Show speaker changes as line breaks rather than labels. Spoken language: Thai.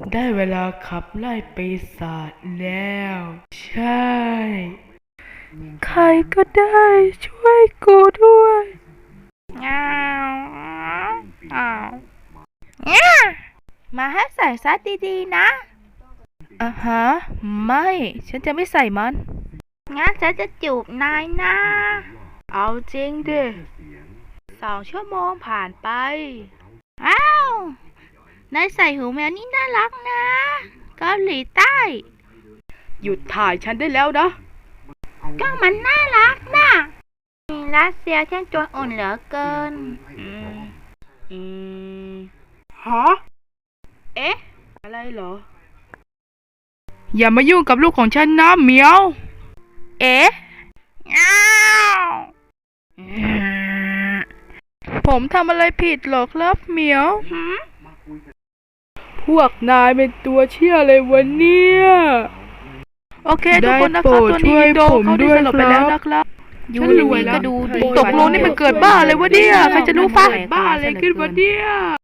ได้เวลาขับไล่ปีศาจแล้ว ใช่ ใครก็ได้ช่วยกูด้วย
อ้าวอ้าวเนี่ยมาให้ใส่ซัดดีๆนะฮะไม่ ฉันจะไม่ใส่มัน งั้นฉันจะจูบนายนะ เอาจริงดิ2 ชั่วโมงผ่านไป อ้าว นายใส่หูแมวนี่น่ารักนะเกาหลีใต้
หยุดถ่ายฉันได้แล้วนะ
ก็มันน่ารักนะรัสเซียเช่นตัวอ่อนเหลือเกิน
ฮะ
เอ๊ะ
อะไรเหรอ อย่ามายุ่งกับลูกของฉันนะเหมียว
เอ๊ะอ้าว
ผมทำอะไรผิดหรอครับเหมียว
หืม
พวกนายเป็นตัวเชี่ยเลยวะเนี่ย
โอเคทุกคนนะครับตัวนี้โดนเขาได้สลบไปแล้วนะครับ
ฉันรวยแล้ว
ก็ดูตกลงนี่มันเกิดบ้าเลยวะเนี่ยใครจะรู้ฟ้า
บ้าอะไรขึ้นวะเนี่ย